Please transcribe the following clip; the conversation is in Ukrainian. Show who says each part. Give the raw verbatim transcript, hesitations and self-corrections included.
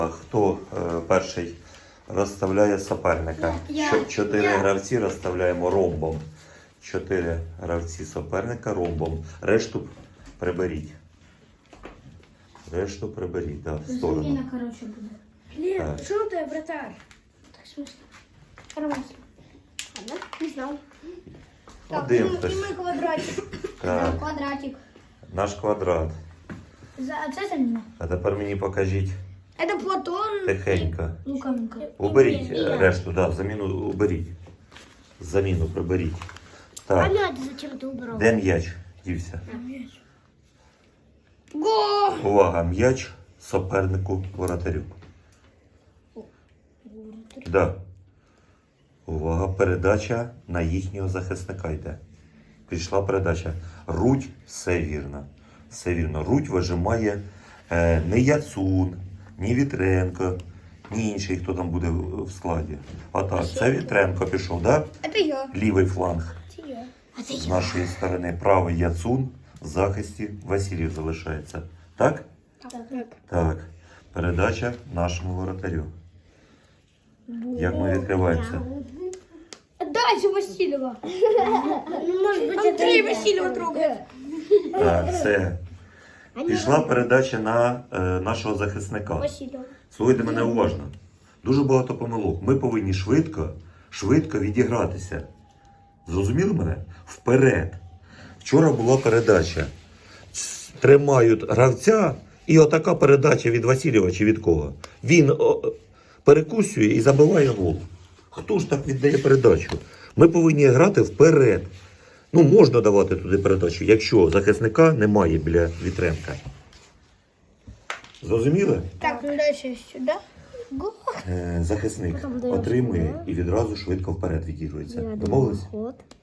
Speaker 1: Хто е, перший розставляє суперника?
Speaker 2: Я.
Speaker 1: Чо- Чотири
Speaker 2: Я.
Speaker 1: гравці розставляємо ромбом. Чотири гравці суперника ромбом. Решту приберіть. Решту приберіть, так, в сторону.
Speaker 2: Заміна, коротше, буде.
Speaker 3: Блин,
Speaker 1: Так.
Speaker 3: что ты, вратарь?
Speaker 2: Так, смисло. Нормально. Ладно, не знав.
Speaker 1: Один
Speaker 3: и
Speaker 1: хтось.
Speaker 3: мы квадратик.
Speaker 1: Так,
Speaker 2: Квадратик.
Speaker 1: наш квадрат.
Speaker 2: За, а це заміна?
Speaker 1: А тепер мені покажіть
Speaker 3: Это Платон.
Speaker 1: тихенько.
Speaker 2: Лукавенко.
Speaker 1: Уберіть
Speaker 3: І
Speaker 1: е,
Speaker 3: я.
Speaker 1: решту, да, заміну уберіть. Заміну приберіть.
Speaker 3: А
Speaker 1: Так,
Speaker 3: мяч зачем ты убрал?
Speaker 1: де м'яч дівся?
Speaker 3: Го!
Speaker 1: Увага, м'яч супернику воротарю. Да. Увага, передача на їхнього захисника йде. Пішла передача. Рудь, все вірно. Все вірно. Рудь вижимає е, не Яцун, ні Вітренко, ні інший, хто там буде в в складі. А так, це Вітренко пішов, да?
Speaker 3: Это я.
Speaker 1: Лівий фланг
Speaker 3: Это я.
Speaker 2: А це
Speaker 1: з
Speaker 2: я.
Speaker 1: нашої сторони. Правий Яцун, в захисті Васильєв залишається. Так?
Speaker 3: Так, так.
Speaker 1: Так. Передача нашому воротарю. Як ми відкриваємося?
Speaker 3: Дальше Васильева.
Speaker 2: Может быть,
Speaker 3: Андрей Васильева трогает.
Speaker 1: Так, це. Пішла передача на е, нашого захисника.
Speaker 3: Васильева.
Speaker 1: Слухайте мене уважно. Дуже багато помилок. Ми повинні швидко, швидко відігратися. Зрозуміли мене? Вперед. Вчора була передача. Ц- Тримають гравця, і отака передача від Васильєва чи від кого. Він о, перекусює і забиває гол. Хто ж так віддає передачу? Ми повинні грати вперед. Ну, можна давати туди передачу, якщо захисника немає біля Вітренка. Зрозуміли?
Speaker 3: Так, ну дальше сюда.
Speaker 1: Е, захисник
Speaker 2: Потім даєш
Speaker 1: отримує
Speaker 2: туди.
Speaker 1: і відразу швидко вперед відігрується. Домовились?
Speaker 2: Ход.